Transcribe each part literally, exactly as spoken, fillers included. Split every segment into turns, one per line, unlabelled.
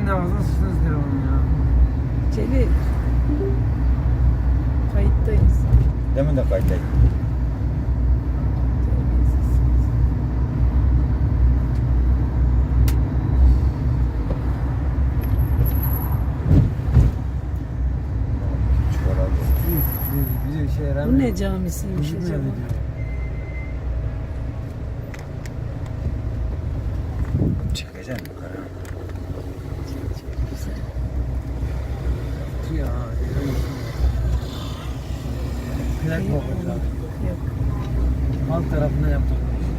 Senin ağzına sıçtınız telefonu ya.
Celil. Kayıttayız.
Demin de kayıttayım.
Bize bir şey
Bu
yaramıyor.
ne camisiymiş
Bizim
acaba?
evi diyor.
Çıkacak mı yukarı?
Ya. Plak
Yok,
kokutlar.
yok.
Alt tarafına yaptık.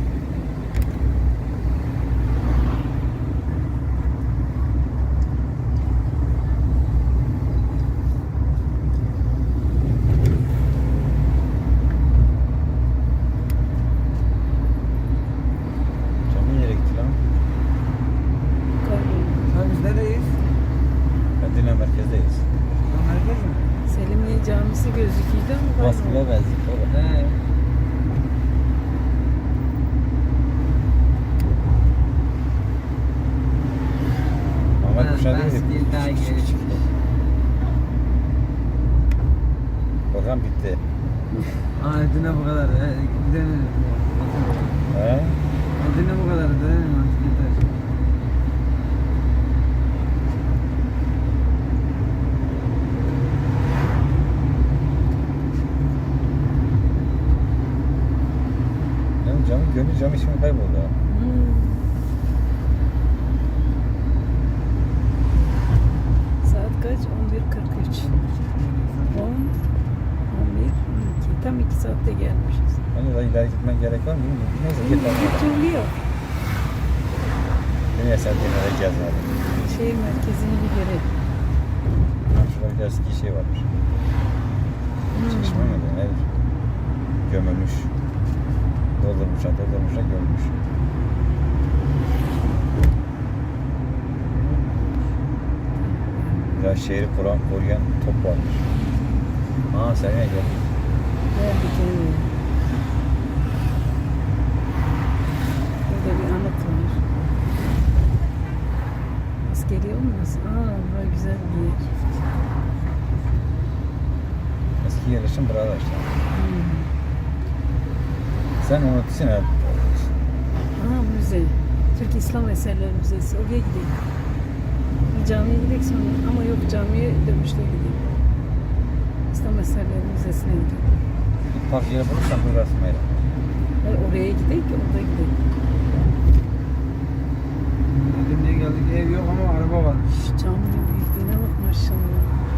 Cami nereye gitti lan?
Kayboldu.
Ha biz neredeyiz?
Medine merkezdeyiz.
Ha, merkez mi?
Selimliye Camisi gözüküyordu ama
Baskıla
kayboldu.
benzik baba.
He.
Ahmet
Ha,
Kuşağı
ben
değil.
değil, daha geri çıktı.
Program bitti.
Aa Edirne bu kadar. He, gidelim.
He?
Edirne bu kadar. Gidelim artık yeter.
Yani cami, gönül cami ismi kayboldu ha.
Hmm. Saat kaç? on bir kırk üç. on, on bir, on iki. Tam iki saatte gelmişiz.
Hani daha ileri gitmen gerek var mı? Bilmiyorum. Neyse git
Bir
lan.
türlü yok.
Dünya Sentiyene arayacağız abi.
Şehir merkezini bir görelim.
Ha, şurada bir eski şey varmış.
Hmm.
Çeşme mi? Nedir? Gömülmüş. Doldurmuşlar, doldurmuşlar, gömülmüş. Ya şehri kuran, koruyan top varmış. Aa sen ne geldin?
Geldik evet. Burada bir anıt var. Askeri olmasın? Aa, burası güzel bir yer.
Eski yerleşim burada işte.
Hmm.
Sen unutursun ya.
Aa, müze. Türk İslam Eserleri Müzesi. Oraya gidelim. Bir camiye gidelim sonra. Ama yok, camiye dönüşte gidelim. İslam Eserleri Müzesi'ne gidelim.
Bir park yeri bulursan burası mı?
Hayır, oraya gidelim ki orada gidelim.
Edirne'ye geldik. Ev yok ama araba var.
Şu caminin büyüklüğüne bak maşallah.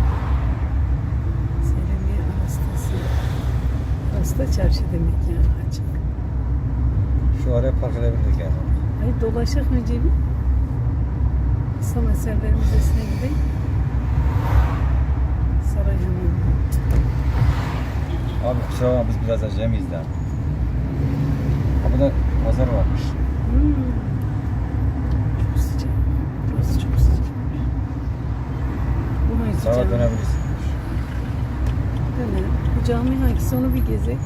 Selimiye Arastası. Arasta çarşı demek yani, açık.
Şu araya park edebilirdik yani.
Hayır, dolaşak önce bir. İslam Eserleri Müzesi'ne gidelim. Saray Hamamı.
Abi kusura bakma biz biraz acemiyiz daha. Ha burada pazar varmış.
Hmm. Çok sıcak. Burası çok sıcak. Bu hangisi
Sağa
cami?
dönebilirsin.
Dönelim. Bu cami hangisi, onu bir gezek.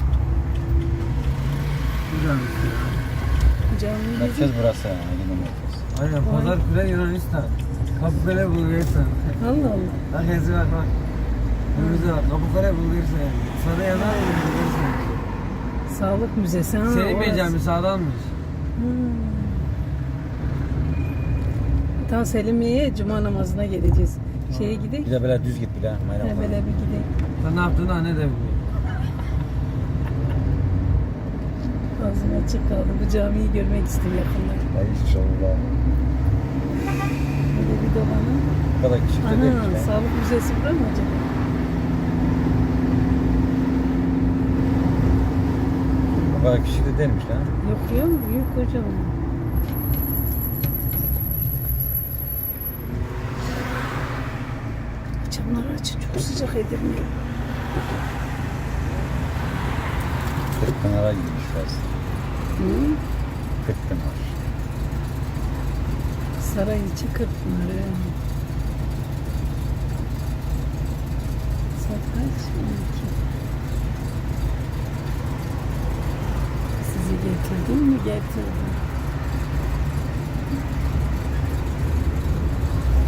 Güzel bir şey.
Bu camiyi gezek.
Merkez burası yani. Medine merkez.
Aynen. Pazarkule Yunanistan. Kapıkale Bulgaristan.
Allah Allah.
Bak yazı bak bak. Önümüze bak. Kapıkale Bulgaristan. Sana yazar mı Bulgaristan?
Sağlık Müzesi. Ha,
Selim Bey
orası.
Cami sağdanmış.
Hmm. Tam Selimiye'ye cuma namazına geleceğiz. Şeye gidelim.
Bir de böyle düz git bir daha. Mayram
He,
var.
böyle bir gidelim.
Sen ne yaptığını anne de biliyor.
Ağzım açık kaldı. Bu camiyi görmek istiyorum yakından.
Ay inşallah.
Böyle bir dolanın.
Bu kadar küçük de
Ana,
değilmiş lan.
sağlık müzesi bura mı acaba?
Bu kadar küçük de değilmiş lan.
Yok ya, büyük hocam. Camları açın, çok sıcak Edirne.
Kırkpınar'a gitmiş biraz.
Hı?
Kırkpınar.
Saray içi Kırkpınar'ı. Saat kaç? on iki. Sizi getirdim mi? Getirdim.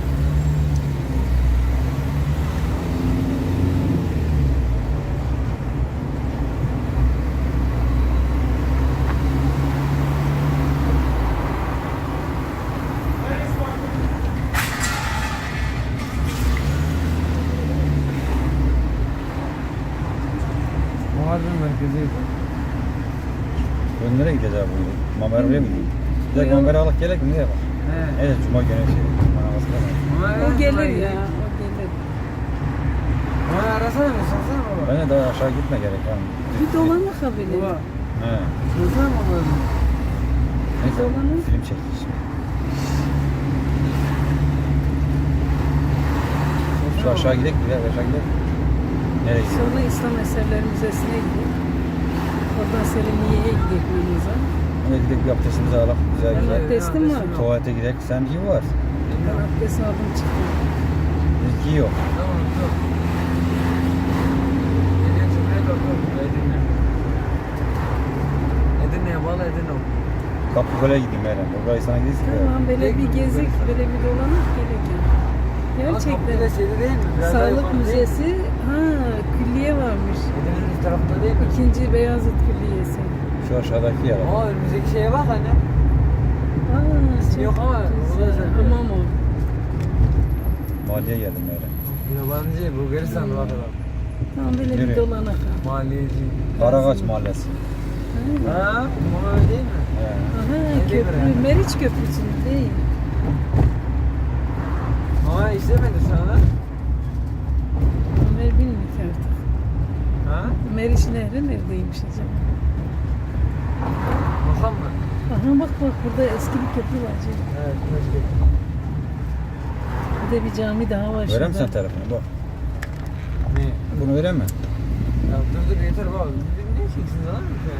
merkeziydi.
Ben nereye gideceğiz abi bugün? Mamer oraya mı gidiyor? Bir
Yok.
de Mamer'e alıp gerek mi? Nereye bak?
He.
Evet, Cuma günü şey. Bana baskı
Ama
O gelir ya. O gelir.
Ama arasana mı? Sorsana baba.
Ben de daha aşağı gitme gerek yani.
Bir dolanmak ha böyle.
Baba.
He.
Sorsana baba.
Neyse,
Dolanın.
film çektik şimdi. Şu aşağı gidelim, gidelim, aşağı gidelim. Nereye gidelim?
Sonra İslam Eserleri Müzesi'ne gidelim. Oradan Selimiye'ye gidelim namaza.
Oraya gidelim, bir abdestimizi alalım. Güzel
Ben
güzel.
abdestim var.
Tuvalete gidelim. Sen iyi var.
Ben abdest aldım çıktım.
İlki yok.
Tamam dur. Geliyor Cumhuriyet Okulu. Edirne. Edirne'ye bağlı Edirne Okulu.
Kapıkole'ye gideyim Meryem. Burayı sana gideyim.
Tamam böyle bir gezik, böyle bir dolanıp gelecek.
Ama kapı da
Gerçekten.
şeyde değil mi? Biraz daha
Sağlık
yukarı değil mi?
Müzesi, ha külliye varmış.
Edirne'nin üst tarafında değil mi?
İkinci Beyazıt Külliyesi.
Şu aşağıdaki yer.
Aa önümüzdeki şeye bak anne.
Aa,
İsmi yok ama o da
güzel.
güzel.
Hamam o.
Mahalleye geldim Meryem.
Yabancı, Bulgaristan var adam.
Tamam böyle bir
Nereye?
dolanak ha.
Maliyeci.
Karagaç Mahallesi.
Ha.
Ha? Ama öyle değil mi?
He.
Aha
Ne
köprü,
diyor yani?
Meriç Köprüsü değil.
Ama işlemedi şu an ha?
Ömer bilmiyor ki artık.
Ha?
Meriç Nehri neredeymiş acaba?
Bakan mı?
Aha bak bak burada eski bir köprü var canım.
Evet, keşke.
Bir de bir cami daha var
Verem
şurada.
sen telefonu bak.
Ne?
Bunu verem mi?
Ya dur dur yeter baba. Ne çeksin lan?